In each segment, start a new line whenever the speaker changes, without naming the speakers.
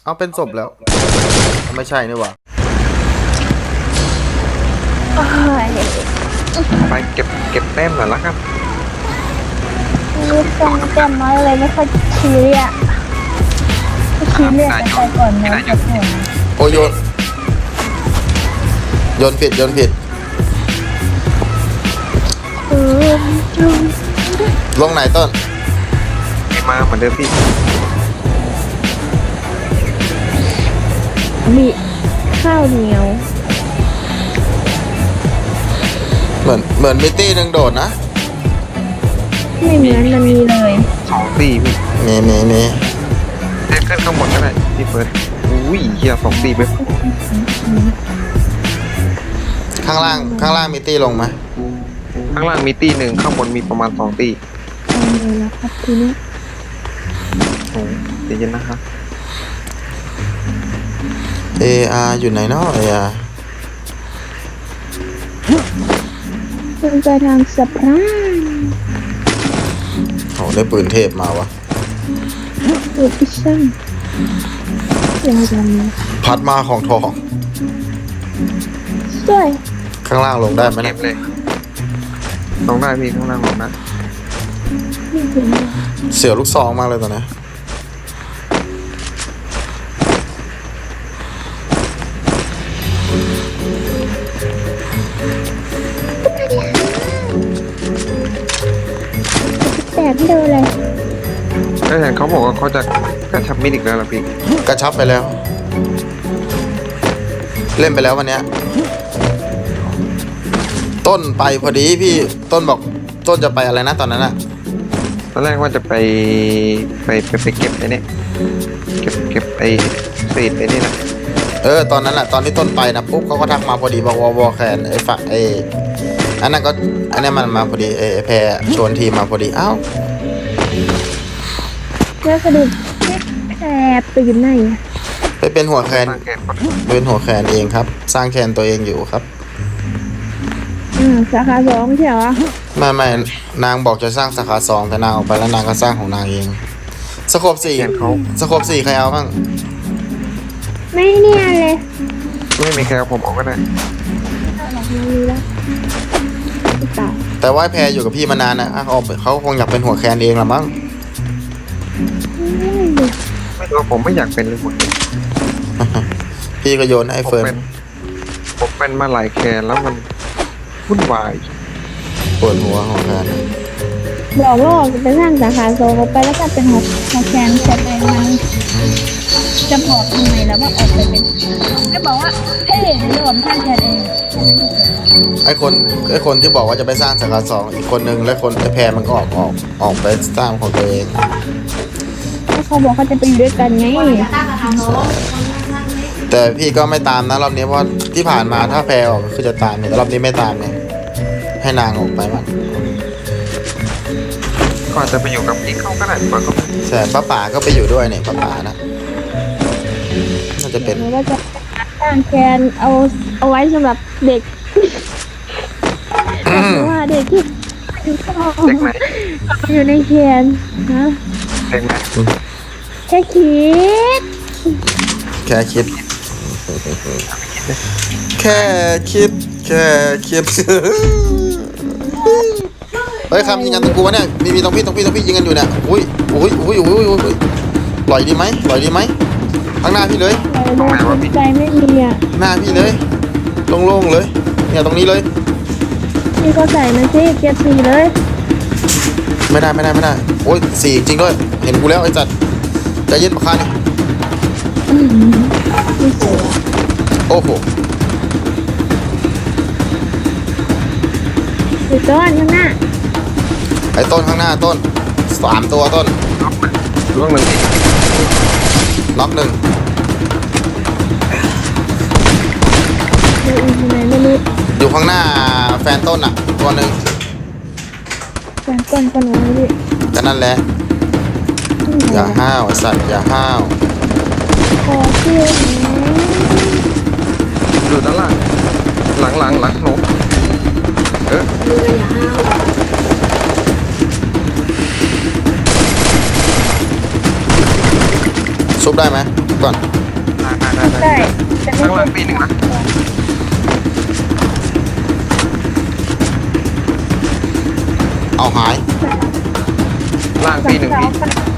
เอาเป็นศพแล้วไม่ใช่นี่หว่า
ไปเก็บแต้มหน่อยละครับ
นี่ต้องแต้มน้อยเลยไม่ค่อยชี้เรียชี้เรียกกันไปก่อนนะขอโทษนะ
โอ้โยนผิดลงไหนต้น
มาเหมือนเดิมพี่
มีข้าวเหนียว
เหมือนมิตตี้หนึ่งโดดนะ
ไม่เหมือนมันมีเลย
2 ตีพี่
มี
แค่ขึ้นข้างบนก็ได้พี่เฟิร์สอุ้ยเฮีย2 ตีไป
ข้างล่างมิตตี้ลงไหม
ข้างล่างมีตี1ข้างบนมีประมาณ2 ตี
เลยแล้วครับทีนี้
โอ้เดี๋ยวนะครับ
AR อยู่ไหนเนาะ AR
ขึ้นไปทางสะพาน
โอ้ได้ปืนเทพมาวะ
ปืนพิซซ่าอย่างไร
พัดมาของทอง
สวย
ข้างล่างลงได้ไหมนะ
เลยลงได้พี่ข้างล่างลงได้
เสียวลูกซองมากเลยตอนนี้
แต่พี่ดูเลย
ก็เห็นเขาบอกว่าเขาจะกระชับมิดอีกแล้วล่ะพี่
กระชับไปแล้วเล่นไปแล้ววันเนี้ยต้นไปพอดีพี่ต้นบอกต้นจะไปอะไรนะตอนนั้นอะ
ตอนแรกว่าจะไปเก็บไอ้นี่เก็บไอ้เศษไอ้นี่นะ
ตอนนั้นแหละตอนที่ต้นไปนะปุ๊บเขาก็ทักมาพอดีบอกวอแคนไอ้ฝั่งอันนั้นก็อันนี้มันมาพอดีแพรชวนทีมมาพอดีอ้าว
แล้วสะดุดแอบไปอยู่ไหน
ไปเป็นหัวแคนเป็นหัวแคนเองครับสร้างแคนตัวเองอยู่ครับ
สาขา2ไม่ใช่เหรอ
ไม่นางบอกจะสร้างสาขา2แต่นางออกไปแล้วนางก็สร้างของนางเองสโคป4ใครเอาบ้าง
ไม่เนี่ยเลย
ไม่มีใครเอาผมออกก็ได้
แต่ว่าแพรอยู่กับพี่มานานนะเขาคงอยากเป็นหัวแคนเองละมั้ง
ไม่รู้ผมไม่อยากเป็นเลยหมด
พี่ก็โยนให้เฟิร์น
ผมเป็นมาหลายแคนแล้วมันวุ่นวาย
ปวดหัวของแคน
บอกว่าจะไปสร้างสาขา2ไปแล้วก็เป็นหัวแคนแคนเองมันจะบอกทำไมแล้วว่าออกไปเป็นก็บอกว่าเฮ้ยในรวมสร้างแคนเอง
ไอ้คนที่บอกว่าจะไปสร้างสาขา2อีกคนนึงและคนไอ้แพรมันก็ออกไปสร้างของตัวเอง
เขาบอกเขาจะไปอยู่ด้วยกันไง
แต่พี่ก็ไม่ตามนะรอบนี้เพราะที่ผ่านมาถ้าแพรออกก็คือจะตามแต่รอบนี้ไม่ตามไงให้นางออกไปมั้ง
ก่อนจะไปอยู่กับพี่เขาก็ได้ก่อนก็
แต่ป้าป๋าก็ไปอยู่ด้วยเนี่ยป้าป๋านะน่าจะเป็น
ว่าจะสร้างแคนเอาไว้สำหรับเด็กว่าเด็กที่
เด็กไหน
อยู่ในแคนนะ
เด็กไหน
แค่คิด
เฮ้ยคำยิงกันตรงกูวะเนี่ยมีตรงพี่ยิงกันอยู่เนี่ยอุ้ยปล่อยดีไหมข้างหน้าพี่เลย
ใจไม่มีอ่ะ
หน้าพี่เลยโล่งๆเลยเนี่ยตรงนี้เลย
พี่ก็ใส่มันสิเก็บ4เลย
ไม่ได้โอ้ย4จริงด้วยเห็นกูแล้วไอ้จัดใจเย็นปะคะนี่โอ้โห
ไอ้ต้นข้างหน้า
ไอ้ต้นข้างหน้าต้น3ตัวต้น
ล่วง1
น็อก1อยู่ข้างหน้าแฟนต้นอ่ะตัวนึง
แฟนต้นคนไหนดิ
ก็นั่นแหละอย่าห้าวสัตว์อย่าห้าว
ขอเชื่อ
อยู่ด้านล่างหลังหนู
ซุบได้ไหมก่อน
ได้ข้างล่างปีหนึ่งนะ
เอาหาย
ล่างปีหนึ่งพี่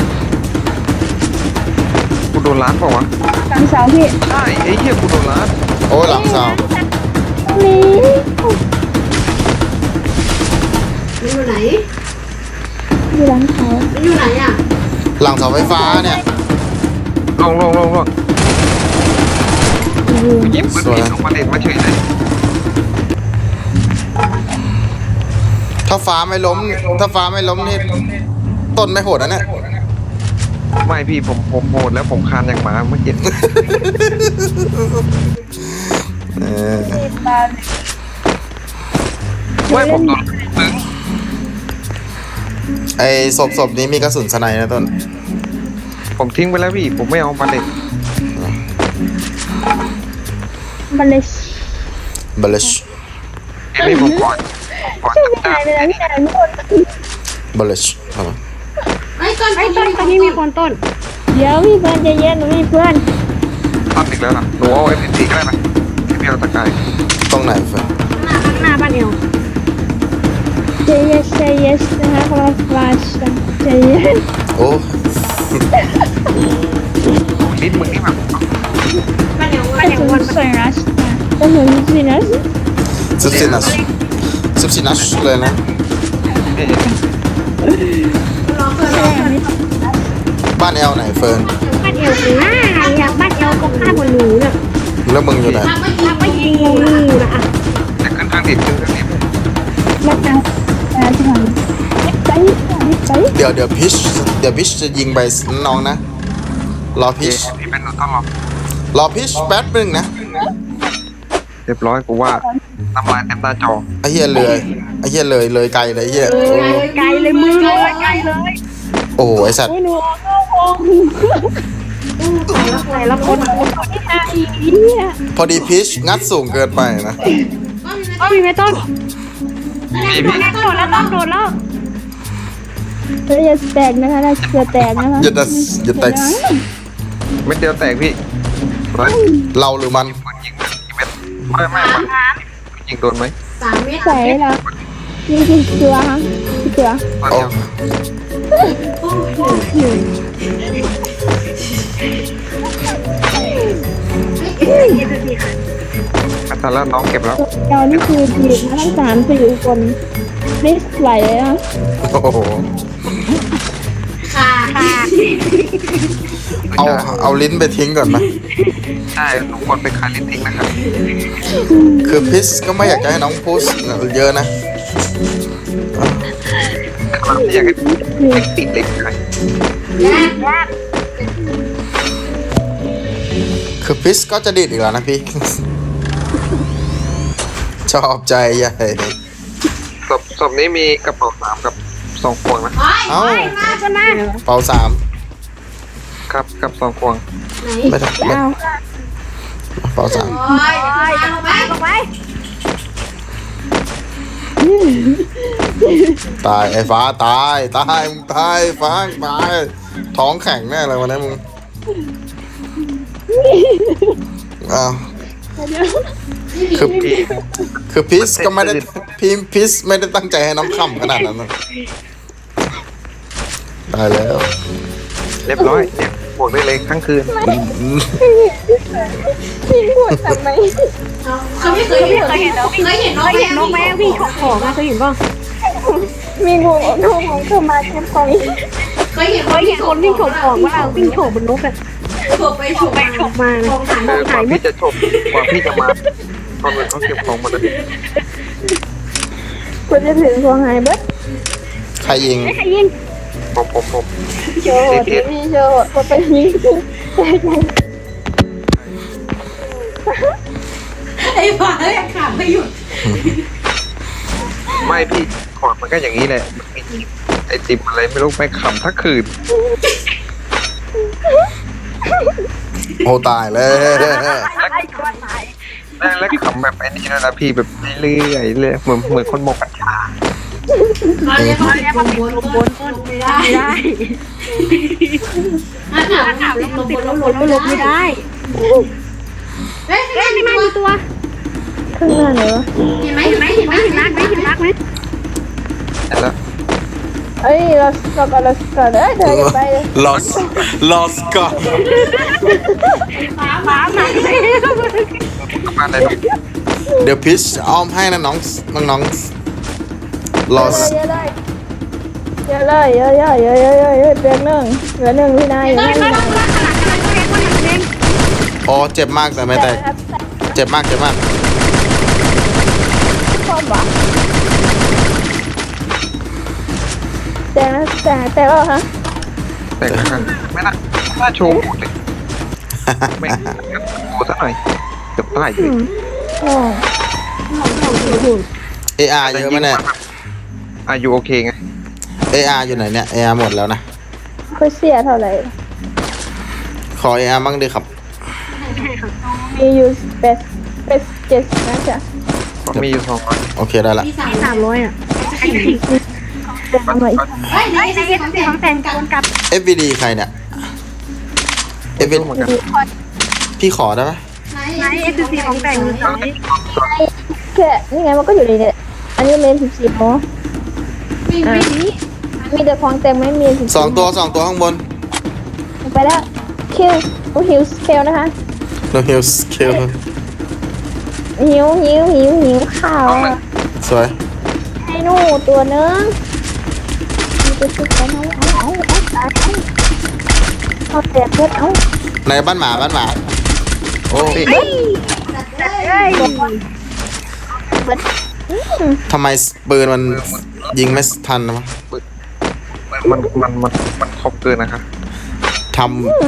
กูโดนล้านเปล่าวะ
หลังเสาพี่
ใช่ไอ้เหี้ยกูโดนล้าน
โอ้ยหลังเสา
นี่
มันอยู่ไหน
อยู่หลังเขา
มันอยู่ไหนอ่ะ
หลังเสาไฟฟ้าเนี่ย
ลงหยิบปืนผิดลงมาเด็ดมาเฉยเลย
ถ้าฟ้าไม่ล้มนี่ต้นไม่โหดนะเนี่ย
ไม่พี่ผมโหดแล้วผมคานอย่างหมาเมื่อกี้
เออ
ปลา
ไม่ผมโดนตึง
ไอ้ศพนี้มีกระสุนสไนด์นะต้น
ผมทิ้งไปแล้วพี่ผมไม่เอามาเด็ด
บัลเลช
บลิช
เดี๋ยวนี้ผมก่อน
ชื่อ
จับ
พี่นายเลยนะพี่นายไม่คน
บลิช
ไอ้ต้น
ตอนนี้มีคนต้น เดี๋ยวพี่เพื่อนใจเย็นมีเพื่อน
ตัดอีกแล้วนะหนูเอา FPC ก็ได้ไหมพี่เอาตะกาย
ตรงไหนเฟิร์น
หน้าบ้านเอวใจเย็นใจเย็นนะคะครับฟลาชใจเย็น
โอ้
ลิ้นมึงนี่แบบ
มันอยู่
กระสุนสวยรัชกระสุนสินะ
ซุบซินัสเลยนะ
รอเพื่อนรอเพื่อน
บ้านแอลไหนเฟิร์น
บ้านเอวข้างหน้าอยากบ้านเอวก็ข้างบนหนูเนี่ย
แล้วมึงอยู่ไหน
ทำไม่ยิง
ไม่ยิงงูนะอ่ะ
จะขึ้นทางดิบขึ้นทางดิบ
มาทางที่ไหนไป
เดี๋ยวพิชจะยิงไปน้องนะ รอพิช
พี่เป็นหนูต้องรอ
รอพิชแป๊บนึงนะ
เรียบร้อยกูว่าน้ำลายเต็มหน้าจอ
ไอ้เหี้ยเลยไกลเลยไอ้เหี้ย
ไกลเลยมือเลยไกลเลย
โอ้โหไอ้สัตว์
ไม่หนูเข้าวงแต่ละคนที่ทาอีเนี่ย
พอดีพิชงัดสูงเกินไปนะ
ก็มีไม่ต้น
พี่พี่
โดดแล้วต้องโดดแล้วเราจะแตกนะคะเราจะแตกนะคะ
อย่าแตก
เม็ดเดียวแตกพี่เฮ้ย
เราหรือมัน
ปืนยิงกี่เม็ดไม่มันยิงโดนไหม
3 เมตร
ใส่แล้วนี่คือตัวฮะตัว
ตอน
โอ้
เดียว อาจารย์แล้วน้องเก็บแล้ว
เรานี่คือทีมทั้ง3-4คนไม่ไหวเลยนะ
โห
ค่ะ
เอาลิ้นไปทิ้งก่อนนะ
ใช่ทุกคนไปคายลิ้นทิ้งนะครับ
คือพิชก็ไม่อยากจะให้น้องพูดเยอะนะ
ไม่อยากให้ติดเล็กใคร
คือพิชก็จะดีดอีกแล้วนะพี่ ชอบใจใหญ่
ศพนี้มีกระเป๋า3กับ2พวงนะ
เอ้า
มาจะมา
เป่าสาม
ครับกับ2พวง
ไหน
ไม่ได้ไม่
เอา
เป่าสาม
โอ้ยลงไปลงไป
ตายไอ้ฟ้าตายมึงตายฟ้าตายท้องแข็งแน่เลยวันนี้มึงอ้าวคือพิชก็ไม่ได้พิชไม่ได้ตั้งใจให้น้องขำขนาดนั้นนะตายแล้ว
เรียบร้อยเนี่ยบวกได้เลยทั้งคืน
พี่พูดทำไม
เขาไม่เคยเห็นเคยเห็นนกไหมวิ่งฉกของมาเคยเห็นป่ะ
มีงูของเธอมาแค่พอย
เคยเห็น
คนวิ่งฉกของว่าเราวิ่งฉกบนนกอะ
ฉกไปฉกมา
มา
ของถัง
กว่าพี่จะจบกว่าพี่จะมาตอนนี้เขาเก็บของหมดเลย
ควรจะถึงตัวหายเบิด
ใครยิง
ใครยิง
ผม
โชว์พี่โชว์คนไปยิง
ไอ้บ้าเลยขาดไม่หยุด
ไม่พี่ขอดมันก็อย่างนี้แหละมันมีไอติมอะไรไม่รู้ไปขำทั้งคืน
โอ้ตายแล้ว
แล้วขำแบบไอ้นี่นะพี่แบบเรื่อยๆเลยเหมือนคนหมกกัญชา
เขาเรียกว่าเป็นบนต้นได้ถามแล้วติดลบไม่ได้เฮ้ยไม่มีตัว
ข้างหน้าไหนวะ
เห็นไหมไหม
แล้ว
เอ้ยเราก่อนเอ้ยเธออย่าไปเลย
lost ก็
หมา
มาเลย
เดี๋ยวพิชอ้อมให้นะน้องlost
เยอะเลยเเตียงหนึ่งเหลือหนึ่งพี่นายอยู่นั่น
อ๋อเจ็บมากแต่ไม่แตกเจ็บมาก
ชอบวะแต่ก็ฮะ
แต่กันไม่น่าโชว์หมดเลยไม่โชว์ซะหน่อยเกือบตายเลย
โอ้
AR เยอะไหมเนี่ย
อายุโอเคไง
AR อยู่ไหนเนี่ย AR หมดแล้วนะ
ค่อยเสียเท่าไหร่
ขอ AR บ้างดิครับ
มีอยู่เป็น70นะจ๊ะ
มีอยู่200
โอเคได้ละ
300อ่ะ
เดินมาอีก
เฮ้ยในของแต่งกับ
FVD ใครเนี่ย FVD
เหมือนกัน
พี่ขอได้ไหม
ไหน SC ของแต่งมีไหน
แค่นี่ไงมันก็อยู่ในเนี่ยอันนี้เลน14เนาะ
ไม่มี
มีแต่ของเต็มไม่มี14
สองตัวข้างบน
ไปแล้วคิวฮิวสเคลนะคะ
No heal skill
หิวข่าวอะ
สวย
ให้หนูตัวนึงมีตัวชุดกันเอาแตกเพื่อนเอา
ในบ้านหมาโอ้ ทำไมปืนมันยิงไม่ทันวะ
มันครบเกินนะคะ
ท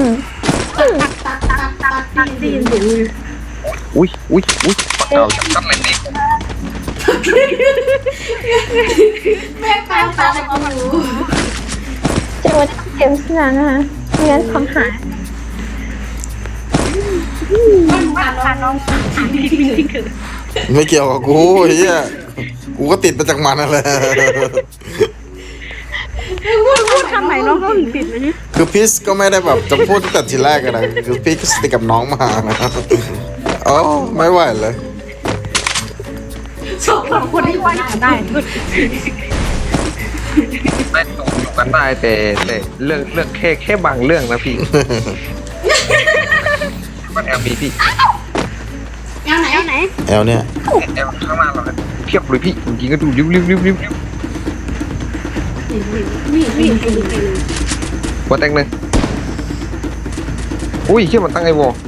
ได้ยินเสียง
อุ้ยปากเก่าจับกันเลยนี่
แม่ตาเขาอยู่
จังหวะเก็บสนานนะคะไม่งั้นของหาย
ผ่านน้อง
ำไม่เกี่ยวกับกูเฮียกูก็ติดมาจากมันนั่นแหละ
พูดคำไหนน้องเขาถึงติดเลย
คือพี่ก็ไม่ได้แบบจะพูดตั้งแต่ทีแรกอะนะคือพี่ก็สติดกับน้องมานะอ๋อไม่ไหวเลย
สองคนที่ว่าได้
ได้ตกอยู่กันได้แต่เรื่องแค่บางเรื่องนะพี่มันแอลมีพี่
เอาไหน
แอลเนี่ย
แอลข้างหน้าเราเพียบเลยพี่จริงๆก็ดูริ้วหัวแตงเลยอุ้ยเชื่อมันตั้งไอ้วอ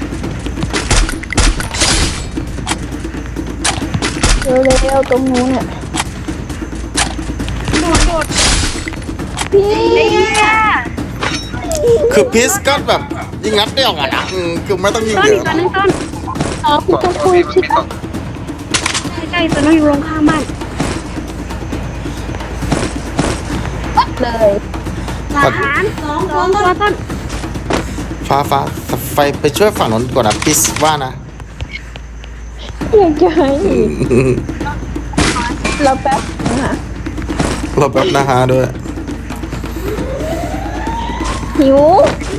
เร็วตรงนู้นเนี่ยพี่
คือพีชก็แบบยิงนัดเดียวอะนะคือไม่ต้องยิง
ต้น
เย
อีก
อะ
ตัวนึงต้น
อ๋อพี่ต้องคุย
มัน
ใช่
มี
ไหม
ต่อ
ใกล้ตัวน้องอยู่โรงข้างบ้าน
เลย
หลานสองตัวต้น
ฟ้าไปช่วยฝั่งนั้นก่อนนะพีชว่านะ
อยากจะให้เราแป๊บนะคะ
เราแป๊บนะฮะด้วย
หิว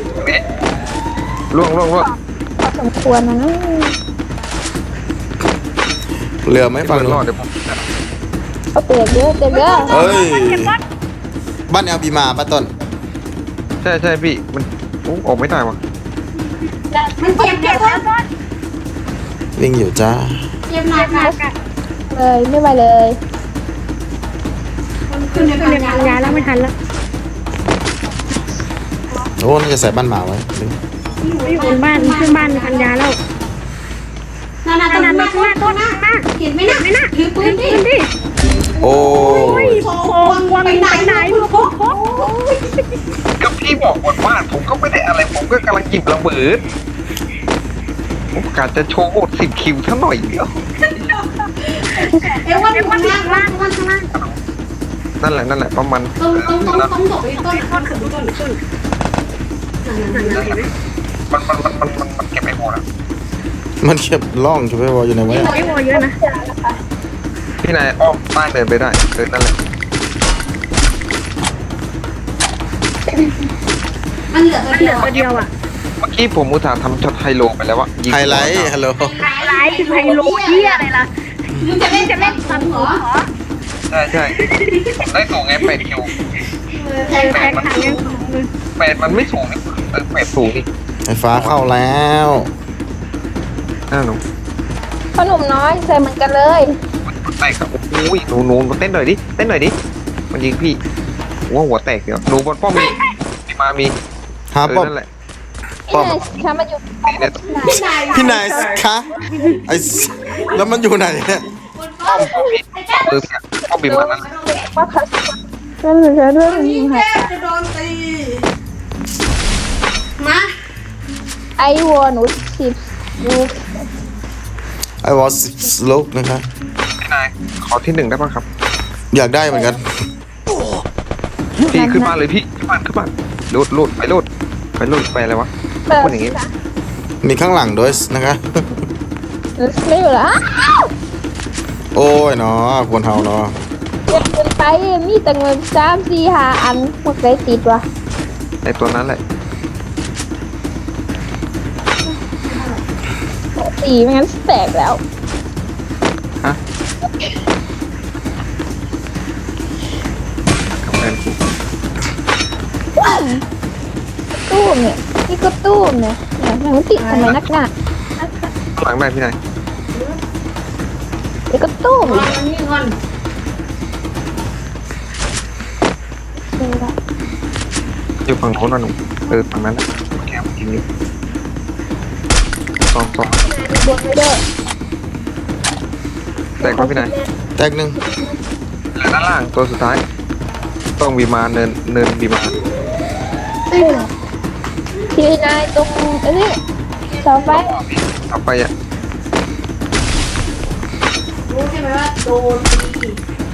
ล่วง
พอสมควรนะ
เรือไม่ฝั่ง
ร
นู้
อด
น
เดี๋ยวผม
เอาเตะเยอะ
เอ้ยบ้านแอลบีมาป้าต้น
ใช่พี่มันออกไม่ได้วะ
มันเจ็บแล้วต้น
วิ่งอยู่จ้า
เจ็บหนัก
เลยไม่ไหวเลย
ขึ้นในพันยาแล้วไม่ทันแล้ว
โอ้น่าจะใส่บ้านหมาไว้
อยู่บนบ้านขึ้นบ้านพันยาแล้วนาต้นมาเห็นไหมนะถือปืนดิ
โอ้
โควงไปไหนโค
ก็พี่บอกหมดว่าผมก็ไม่ได้อะไรผมก็กำลังจิบระเบิดผมกะจะโชว์10 คิวเท่าหน่อยเดียว
วันข้างล่าง
นั่นแหละประมาณ
ต้องตกไปต้น
มันเก็บไม่หมดอ่ะ
มันเก็บล่องใช่ไหมวออยู่ในไว้
ไม่พอเยอะนะ
พี่นายอ้อมใต้เดินไปได้นั่นแหละ
มันเหลือตัวเดียวอ่ะ
เมื่อกี้ผมอุตส่าห์ทำช็อตไฮโลไปแล้ววะยิง
ไฮไลท์ฮัลโหล
ไลฟ์ไฮโลเที่ยอะไรล่ะ
มึงจะเล่นซัมเหรอ
ใช่ผมได้สูงไง8 คิว
แข่งขันยังสูงเลย
8มันไม่สูงนี่8สูงนี่
ไฟฟ้าเข้าแล้ว
น่าหนู
ขนมน้อยใส่เหมือนกันเลย
แตกครับโอ้ยหนูเต้นหน่อยดิมันยิงพี่หัวแตกเดี๋ยวหนูบนป้อมมีมี
หาป้อม
นั่นแหละ
นี่ไงฉันมาอยู่
นี่เนี่ย
พี่นายคะไอแล้วมันอยู่ไหนเนี่ย
ป้อมพี่ป้อมบีมานั่นแหละ
ว่าเขาฉันเหลือด้วย
นี่แค่จะโดนตีมา
ไอวัวหนู10ลูก
ไอวอสโลกนะคะ
พี่นายขอที่ 1ได้ป่ะครับ
อยากได้เหมือนกัน
พี่ขึ้นบ้านเลยพี่ขึ้นบ้านลูดไปอะไรวะพูดอย่างงี้
มีข้างหลังด้วยนะคะ
ไม่อยู่แล้ว
โอ้ยเนาะควรเฮาเนาะ
เก็บเงินไปมีแต่เงิน3-4-5 อันพวกไรติดวะ
ไอตัวนั้นแหละ
ตีไม่งั้นแตกแล้ว
ฮะกับแฟนกู
ตู้มเนี่ยนี่ก็ตู้มเนี่ยมันติดทำไมนักหนา
ข้างหลังได้พี่นาย
นี่ก็ตู้ม
วางมันนี่ก่อน
อยู่ฝั่งโน้นนะหนูฝั่งนั้นแหละแกมันยิงอยู่สอง
บนไม่ได้
แตกครับพี่นาย
แตกหนึ่ง
เหลือด้านล่างตัวสุดท้าย ต้องบีมาเนินบีมา
ทีนายตรงอันนี้เสาไฟ
เอาไปอ่ะ
รู้ใช่ไหมว่าโดนตี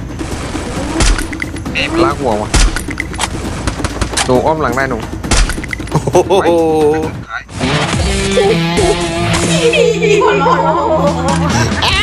บีบลากหัวว่ะหนูอ้อมหลังได้หนู
โอ้โห
หัวเราะ